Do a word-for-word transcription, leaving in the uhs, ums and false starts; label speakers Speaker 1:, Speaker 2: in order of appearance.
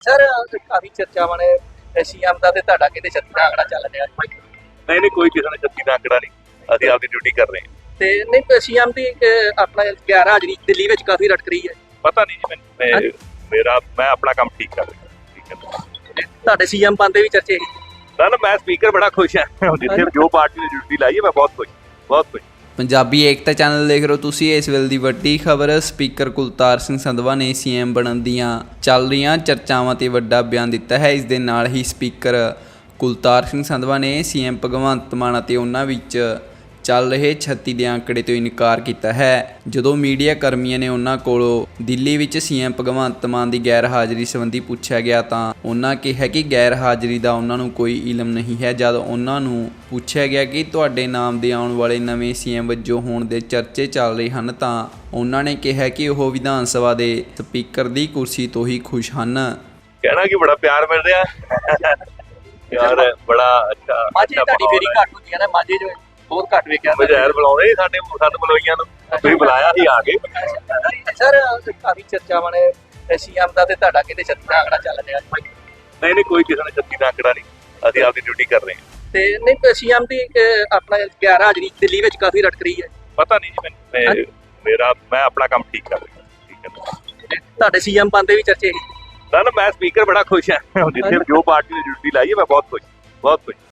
Speaker 1: Sir ਕਾਫੀ ਚਰਚਾਵਾਂ ਨੇ CM ਦਾ ਤੇ ਤੁਹਾਡਾ ਕਿਤੇ ਛੱਤੀ ਦਾ ਆંકੜਾ ਚੱਲ ਰਿਹਾ
Speaker 2: ਨਹੀਂ ਨਹੀਂ ਕੋਈ ਕਿਸੇ ਨੇ ਛੱਤੀ ਦਾ ਆંકੜਾ ਨਹੀਂ। ਅਸੀਂ ਆਪਦੀ ਡਿਊਟੀ ਕਰ ਰਹੇ ਹਾਂ।
Speaker 1: ਤੇ ਨਹੀਂ ਸੀਐਮ ਦੀ ਅਹ, ਆਪਣਾ ਗੈਰ ਹਾਜ਼ਰੀ ਦਿੱਲੀ ਵਿੱਚ ਕਾਫੀ ਰਟਕ ਰਹੀ ਹੈ
Speaker 2: ਪਤਾ ਨਹੀਂ ਜੀ ਮੈਨੂੰ ਮੈਂ- ਮੇਰਾ ਮੈਂ ਆਪਣਾ ਕੰਮ ਠੀਕ ਕਰ ਰਿਹਾ। ਠੀਕ ਹੈ
Speaker 1: ਤੇ ਤੁਹਾਡੇ ਸੀਐਮ ਬੰਦੇ ਵੀ ਚਰਚੇ ਸੀ।
Speaker 2: ਨਾ ਨਾ ਮੈਂ ਸਪੀਕਰ ਬੜਾ ਖੁਸ਼ ਹਾਂ ਜਿੱਥੇ ਜੋ ਪਾਰਟੀ ਨੇ ਡਿਊਟੀ ਲਾਈ ਹੈ ਮੈਂ ਬਹੁਤ ਖੁਸ਼ ਬਹੁਤ ਖੁਸ਼।
Speaker 3: ਪੰਜਾਬੀ ਏਕਤਾ ਚੈਨਲ ਦੇਖ ਰਹੇ ਹੋ ਤੁਸੀਂ। ਇਸ ਵੇਲੇ ਦੀ ਵੱਡੀ ਖਬਰ, ਸਪੀਕਰ ਕੁਲਤਾਰ ਸਿੰਘ ਸੰਧਵਾ ਨੇ ਸੀਐਮ ਬਣਨ ਦੀਆਂ ਚੱਲ ਰਹੀਆਂ ਚਰਚਾਵਾਂ ਤੇ ਵੱਡਾ ਬਿਆਨ ਦਿੱਤਾ ਹੈ। ਇਸ ਦੇ ਨਾਲ ਹੀ ਸਪੀਕਰ ਕੁਲਤਾਰ ਸਿੰਘ ਸੰਧਵਾ ਨੇ ਸੀਐਮ ਭਗਵੰਤ ਮਾਨ ਅਤੇ ਉਹਨਾਂ ਵਿੱਚ ਚੱਲ ਰਹੇ ਛੱਤੀ ਦੇ ਅੰਕੜੇ ਤੋਂ ਇਨਕਾਰ ਕੀਤਾ ਹੈ। ਜਦੋਂ ਮੀਡੀਆ ਕਰਮੀਆਂ ਨੇ ਉਹਨਾਂ ਕੋਲੋਂ ਦਿੱਲੀ ਵਿੱਚ ਸੀਐਮ ਭਗਵੰਤ ਮਾਨ ਦੀ ਗੈਰ ਹਾਜ਼ਰੀ ਸੰਬੰਧੀ ਪੁੱਛਿਆ ਗਿਆ ਤਾਂ ਉਹਨਾਂ ਕਿਹਾ ਕਿ ਗੈਰ ਹਾਜ਼ਰੀ ਦਾ ਉਹਨਾਂ ਨੂੰ ਕੋਈ ਇਲਮ ਨਹੀਂ ਹੈ। ਜਦ ਉਹਨਾਂ ਨੂੰ ਪੁੱਛਿਆ ਗਿਆ ਕਿ ਤੁਹਾਡੇ ਨਾਮ ਦੇ ਆਉਣ ਵਾਲੇ ਨਵੇਂ ਸੀਐਮ ਵਜੋਂ ਹੋਣ ਦੇ ਚਰਚੇ ਚੱਲ ਰਹੇ ਹਨ ਤਾਂ ਉਹਨਾਂ ਨੇ ਕਿਹਾ ਕਿ ਉਹ ਵਿਧਾਨ ਸਭਾ ਦੇ ਸਪੀਕਰ ਦੀ ਕੁਰਸੀ ਤੋਂ ਹੀ ਖੁਸ਼ ਹਨ।
Speaker 2: ਕਹਿਣਾ ਕਿ ਬੜਾ ਪਿਆਰ ਮਿਲ ਰਿਹਾ ਯਾਰ, ਬੜਾ ਅੱਛਾ
Speaker 1: ਮਾਝੇ ਤੁਹਾਡੀ ਫੇਰੀ ਘੱਟ ਹੁੰਦੀ ਹੈ ਨਾ, ਮਾਝੇ ਜੋ ਬਹੁਤ ਘੱਟ ਵੇਖਿਆ
Speaker 2: ਬਜ਼ਾਰ ਬੁਲਾਉਂਦੇ ਸੀ ਸਾਡੇ ਸਾਨੂੰ ਬੁਲਾਈਆਂ ਨੂੰ, ਤੁਸੀਂ ਬੁਲਾਇਆ ਸੀ ਆ ਕੇ।
Speaker 1: ਸਰ ਕਾਫੀ ਚਰਚਾਵਾਂ ਨੇ ਸੀਐਮ ਦਾ ਤੇ ਤੁਹਾਡਾ ਕਿਤੇ ਛੱਤੀ ਦਾ ਆંકੜਾ ਚੱਲ ਰਿਹਾ
Speaker 2: ਨਹੀਂ ਨਹੀਂ ਕੋਈ ਕਿਸੇ ਨੇ ਛੱਤੀ ਦਾ ਆંકੜਾ ਨਹੀਂ। ਅਸੀਂ ਆਪਦੀ ਡਿਊਟੀ ਕਰ ਰਹੇ ਹਾਂ।
Speaker 1: ਤੇ ਨਹੀਂ ਸੀਐਮ ਦੀ ਅਹ, ਆਪਣਾ ਗੈਰ ਹਾਜ਼ਰੀ ਦਿੱਲੀ ਵਿੱਚ ਕਾਫੀ ਰਟਕ ਰਹੀ ਹੈ
Speaker 2: ਪਤਾ ਨਹੀਂ ਜੀ ਮੈਨੂੰ ਮੈਂ- ਮੇਰਾ ਮੈਂ ਆਪਣਾ ਕੰਮ ਠੀਕ ਕਰ ਰਿਹਾ। ਠੀਕ ਹੈ
Speaker 1: ਤੇ ਤੁਹਾਡੇ ਸੀਐਮ ਬੰਦੇ ਵੀ ਚਰਚੇ ਸੀ।
Speaker 2: ਨਾ ਨਾ ਮੈਂ ਸਪੀਕਰ ਬੜਾ ਖੁਸ਼ ਹਾਂ ਜਿੱਥੇ ਜੋ ਪਾਰਟੀ ਨੇ ਡਿਊਟੀ ਲਾਈ ਹੈ ਮੈਂ ਬਹੁਤ ਖੁਸ਼ ਬਹੁਤ ਖੁਸ਼।